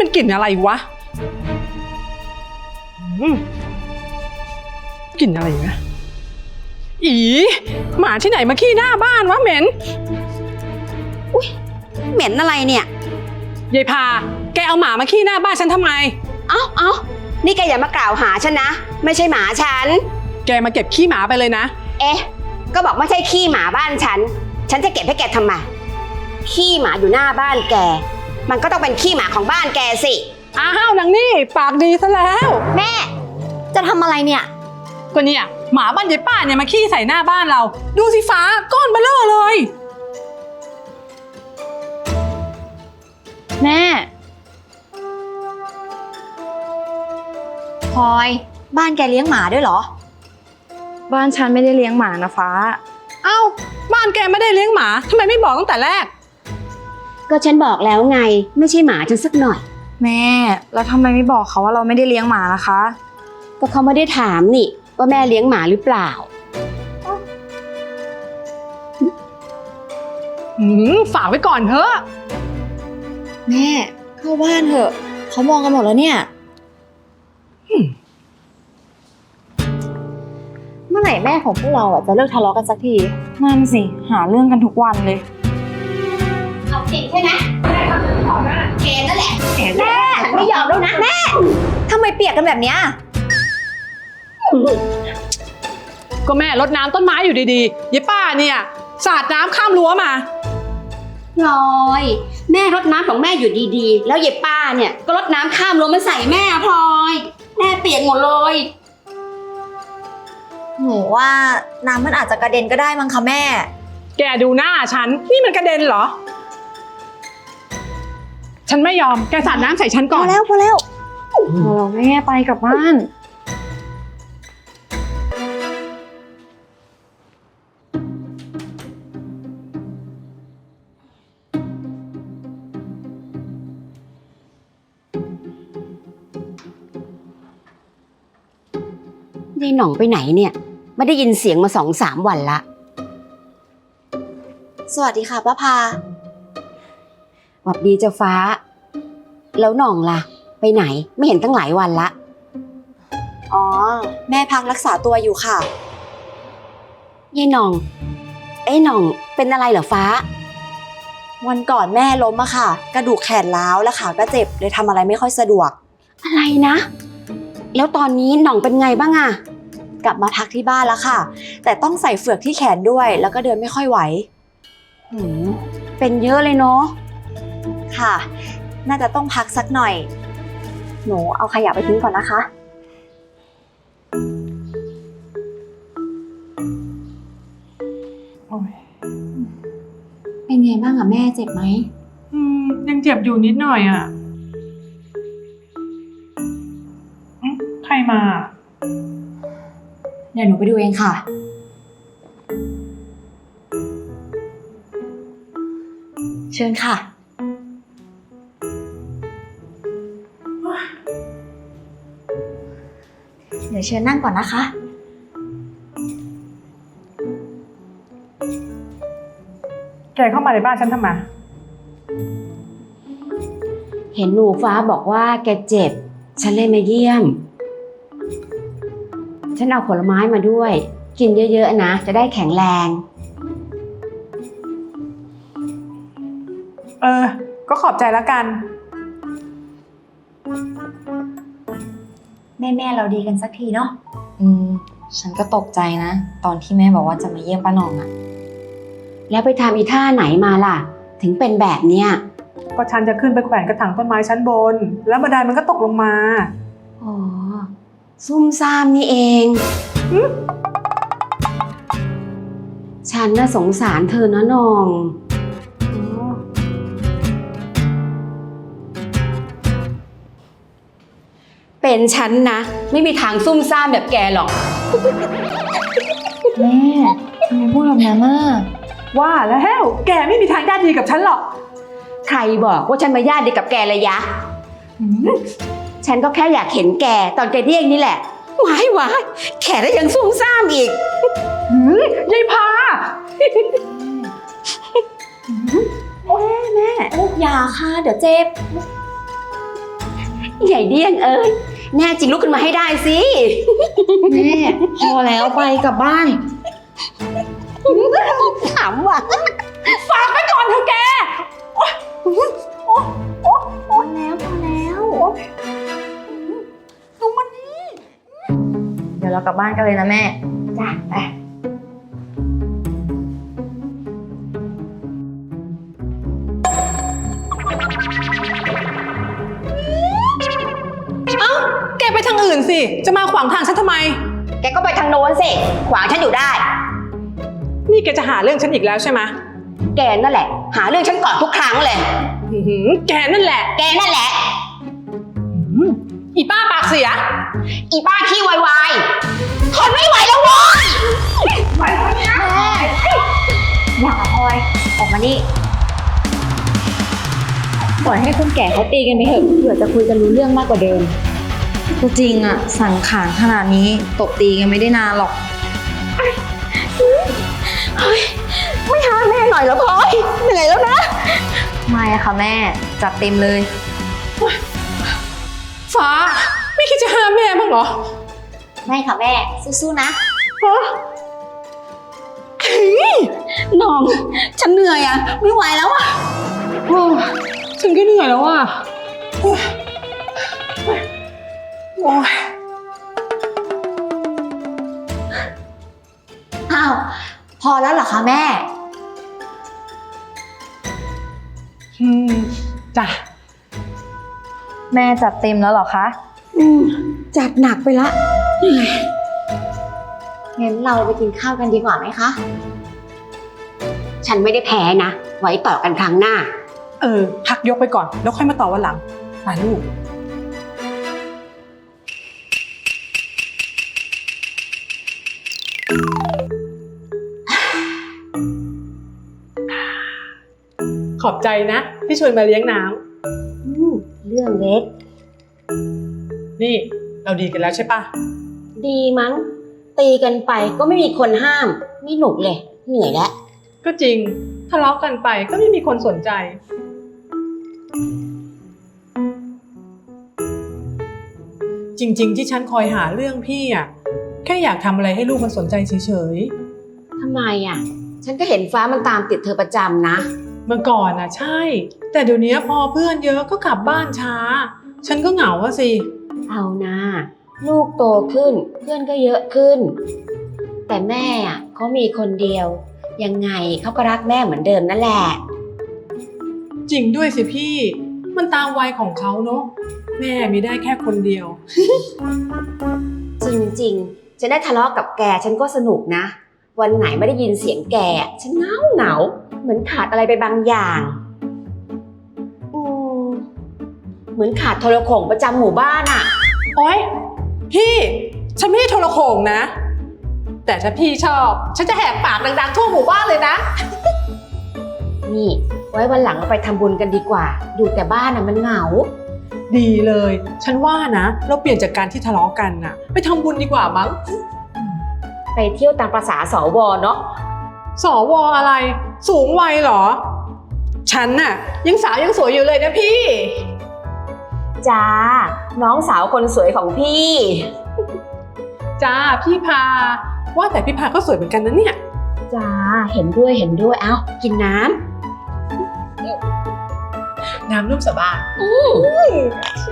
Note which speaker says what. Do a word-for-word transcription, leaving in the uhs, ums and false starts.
Speaker 1: มันกลิ่นอะไรวะกลิ่นอะไรนะอีหมาที่ไหนมาขี้หน้าบ้านวะเหม็น
Speaker 2: อุ๊ยเหม็นอะไรเนี่ย
Speaker 1: ยายพาแกเอาหมามาขี้หน้าบ้านฉันทำไม
Speaker 2: เอ้าเอ้านี่แกอย่ามากล่าวหาฉันนะไม่ใช่หมาฉัน
Speaker 1: แกมาเก็บขี้หมาไปเลยนะ
Speaker 2: เอ๊ะก็บอกไม่ใช่ขี้หมาบ้านฉันฉันจะเก็บให้แกทำไมขี้หมาอยู่หน้าบ้านแกมันก็ต้องเป็นขี้หมาของบ้านแกสิ
Speaker 1: อ้าวนางนี่ปากดีซะแล้ว
Speaker 2: แม่จะทำอะไรเนี่ย
Speaker 1: ก็เนี่ยหมาบ้านยายป้าเนี่ยมาขี้ใส่หน้าบ้านเราดูสิฟ้าก้อนเบลอเลย
Speaker 3: แม่พลอยบ้านแกเลี้ยงหมาด้วยเหรอบ้านฉันไม่ได้เลี้ยงหมานะฟ้า
Speaker 1: เอ้าบ้านแกไม่ได้เลี้ยงหมาทำไมไม่บอกตั้งแต่แรก
Speaker 2: ก็ฉันบอกแล้วไงไม่ใช่หมาฉันสักหน่อย
Speaker 3: แม่แล้วทำไมไม่บอกเขาว่าเราไม่ได้เลี้ยงหมาล่ะคะ
Speaker 2: ก็เขาไม่ได้ถามนี่ว่าแม่เลี้ยงหมาหรือเปล่า
Speaker 1: หืมฝากไว้ก่อนเถอะ
Speaker 3: แม่เข้าบ้านเถอะเขามองกันหมดแล้วเนี่ยเมื่อไหร่แม่ของพวกเราอ่ะจะเลิกทะเลาะกันสักทีนั่นสิหาเรื่องกันทุกวันเลย
Speaker 2: เอาจริงใช่ไหมแม่ก็ขอหน้าแกนั่นแหละแม่ฉันไม่ยอมแล้วนะแม่
Speaker 3: ทำไมเปียกกันแบบเนี้ย
Speaker 1: ก็แม่รดน้ำต้นไม้อยู่ดีๆยายป้าเนี่ยสาดน้ำข้ามรั้วมา
Speaker 2: พลอยแม่รดน้ำของแม่อยู่ดีๆแล้วยายป้าเนี่ยก็รดน้ำข้ามรั้วมาใส่แม่พลอยแม่เปียกหมดเลย
Speaker 3: หนูว่าน้ำมันอาจจะกระเด็นก็ได้มั้งคะแม่
Speaker 1: แกดูหน้าฉันนี่มันกระเด็นเหรอฉันไม่ยอมแกสาดน้ำใส่ฉันก่อน
Speaker 3: พอแล้วพอแล้วพอแม่ไปกลับบ้าน
Speaker 2: ยายหน่องไปไหนเนี่ยไม่ได้ยินเสียงมาสองสามวันละ
Speaker 3: สวัสดีค่ะป้าพา
Speaker 2: หวัดดีเจ้าฟ้าแล้วหน่องล่ะไปไหนไม่เห็นตั้งหลายวันละ
Speaker 3: อ๋อแม่พักรักษาตัวอยู่ค่ะ
Speaker 2: ยายหน่องเอ้หน่องเป็นอะไรเหรอฟ้า
Speaker 3: วันก่อนแม่ล้มอะค่ะกระดูกแขนร้าวและขาก็เจ็บเลยทำอะไรไม่ค่อยสะดวก
Speaker 2: อะไรนะแล้วตอนนี้หน่องเป็นไงบ้างอะ
Speaker 3: กลับมาพักที่บ้านแล้วค่ะแต่ต้องใส่เฝือกที่แขนด้วยแล้วก็เดินไม่ค่อยไหว
Speaker 2: หืมเป็นเยอะเลยเนาะ
Speaker 3: ค่ะน่าจะต้องพักสักหน่อยหนูเอาขยะไปทิ้งก่อนนะคะเป็นไงบ้างอะแม่เจ็บไหม
Speaker 1: อืมยังเจ็บอยู่นิดหน่อยอะใครมา
Speaker 3: เดี๋ยวหนูไปดูเองค่ะเชิญค่ะเดี๋ยวเชิญนั่งก่อนนะคะ
Speaker 1: แกเข้ามาในบ้านฉันทำไม
Speaker 2: เห็นหนูฟ้าบอกว่าแกเจ็บฉันเลยมาเยี่ยมฉันเอาผลไม้มาด้วยกินเยอะๆนะจะได้แข็งแรง
Speaker 1: เออก็ขอบใจแล้วกัน
Speaker 3: แม่แม่เราดีกันสักทีเนาะอืมฉันก็ตกใจนะตอนที่แม่บอกว่าจะมาเยี่ยมป้าหน่องอะ
Speaker 2: แล้วไปทำอีท่าไหนมาล่ะถึงเป็นแบบเนี้ย
Speaker 1: ก็ฉันจะขึ้นไปแขวนกระถางต้นไม้ชั้นบนแล้วบันไดมันก็ตกลงมา
Speaker 2: อ๋อซุ่มซ่ามนี่เองฉันน่ะสงสารเธอนะน้องเป็นฉันนะไม่มีทางซุ่มซ่ามแบบแกหรอก
Speaker 3: แม่ทำไมพูดแบบนั้นน่ะ
Speaker 1: ว่าแล้วแกไม่มีทางญาติดีกับฉันหรอก
Speaker 2: ใครบอกว่าฉันมาญาติดีกับแกเลยยะฉันก็แค่อยากเห็นแกตอนแกเรียกนี่แหละว้ายว้ายแขนแล้วยังซุ่มซ่ามอีก
Speaker 1: ยายพา
Speaker 3: แม่แม่ลูกยาค่ะเดี๋ยวเจ็บ
Speaker 2: ใหญ่เดี้ยงเอ้ยแน่จริงลุกขึ้นมาให้ได้สิ
Speaker 3: แม่พอแล้วไปกลับบ้าน
Speaker 2: ขำว่ะ
Speaker 1: ฝากไปก่อนเถอะแก
Speaker 3: พอแล้วพอแล้ว
Speaker 1: ดูมันนี่
Speaker 3: เดี๋ยวเรากลับบ้านกันเลยนะแม่
Speaker 2: จ้ะไป
Speaker 1: เอ้า แกไปทางอื่นสิ จะมาขวางทางฉันทำไม
Speaker 2: แกก็ไปทางโน้นสิขวางฉันอยู่ได้
Speaker 1: นี่แกจะหาเรื่องฉันอีกแล้วใช่ไหม
Speaker 2: แกนั่นแหละ หาเรื่องฉันก่อนทุกครั้งเลย
Speaker 1: อื้อหือแกนั่นแหละ
Speaker 2: แกนั่นแหละ
Speaker 1: อีป้าปากเสีย
Speaker 2: อีป้าขี้วายวายทนไม่ไหวแล้วโว้ย
Speaker 3: อย่าพลอยออกมานี่ปล่อยให้คนแก่เขาตีกันไปเถอะเผื่อจะคุยกันรู้เรื่องมากกว่าเดิมก็จริงอะสังขารขนาดนี้ตบตีกันไม่ได้นานหรอก
Speaker 2: ไม่หาแม่หน่อยเหรอพลอยเหนื่อยแล้วนะ
Speaker 3: ไม่อะค่ะแม่จัดเต็มเลย
Speaker 1: ฟ้า ไม่คิดจะห้ามแม่บ้างเหรอ
Speaker 3: ไม่ค่ะแม่สู้ๆนะ
Speaker 2: น้อง ฉันเหนื่อยอ่ะ ไม่ไหวแล้วอ่ะ
Speaker 1: โอ้ฉันก็เหนื่อยแล้วอ่ะโอ้ยโอ้ย
Speaker 3: อ้าวพอแล้วเหรอคะแม่
Speaker 1: อืมจ้ะ
Speaker 3: แม่จัดเต็มแล้วเหรอคะ
Speaker 2: อืมจัดหนักไปละเหนื่อย
Speaker 3: งั้นเราไปกินข้าวกันดีกว่าไหมคะ
Speaker 2: ฉันไม่ได้แพ้นะ ไว้ต่อกันครั้งหน้า
Speaker 1: เออ พักยกไปก่อน แล้วค่อยมาต่อวันหลังไปลูก ขอบใจนะ ที่ชวนมาเลี้ยงน้
Speaker 2: อืมเรื่องเล็ก
Speaker 1: ำนี่ เราดีกันแล้วใช่ปะ
Speaker 2: ดีมั้ง ตีกันไปก็ไม่มีคนห้าม ไม่หนุกเลย เหนื่อยแล้ว
Speaker 1: ก็จริง ทะเลาะกันไปก็ไม่มีคนสนใจ จริง ๆ ที่ฉันคอยหาเรื่องพี่อ่ะ แค่อยากทำอะไรให้ลูกมันสนใจเฉย
Speaker 2: ทำไมอ่ะ ฉันก็เห็นฟ้ามันตามติดเธอประจำนะ
Speaker 1: ๆ เมื่อก่อนอ่ะใช่ แต่เดี๋ยวนี้พอเพื่อนเยอะก็กลับบ้านช้า ฉันก็เหงาอะสิ
Speaker 2: เอานะลูกโตขึ้น เพื่อนก็เยอะขึ้น แต่แม่อ่ะเขามีคนเดียว ยังไงเขาก็รักแม่เหมือนเดิมนั่นแหละ
Speaker 1: จริงด้วยสิพี่ มันตามวัยของเขาเนอะแม่มีได้แค่คนเดียว
Speaker 2: จริงๆ ฉันได้ทะเลาะกับแกฉันก็สนุกนะ วันไหนไม่ได้ยินเสียงแกฉันเหงาเหงาเหมือนขาดอะไรไปบางอย่างอืมเหมือนขาดโทรโข่งประจำหมู่บ้านอ่ะ
Speaker 1: โอ๊ยพี่ ฉันไม่ได้โทรโข่งนะ แต่ถ้าพี่ชอบ ฉันจะแหกปากดังๆทั่วหมู่บ้านเลยนะ
Speaker 2: นี่ไว้วันหลังเราไปทำบุญกันดีกว่า ดูแต่บ้านอ่ะมันเหงา
Speaker 1: ดีเลย ฉันว่านะ เราเปลี่ยนจากการที่ทะเลาะกันน่ะ ไปทำบุญดีกว่ามั้ง
Speaker 2: ไปเที่ยวตามประษาสวเนาะ
Speaker 1: สวอะไร สูงวัยเหรอ ฉันน่ะ ยังสาวยังสวยอยู่เลยนะพี่
Speaker 2: จ้า น้องสาวคนสวยของพี่
Speaker 1: จ้าพี่พา ว่าแต่พี่พาก็สวยเหมือนกันนะเนี่ย
Speaker 2: จ้า เห็นด้วยเห็นด้วย เอ้า กินน้
Speaker 1: น้ำนุ่มสบาย
Speaker 2: ำ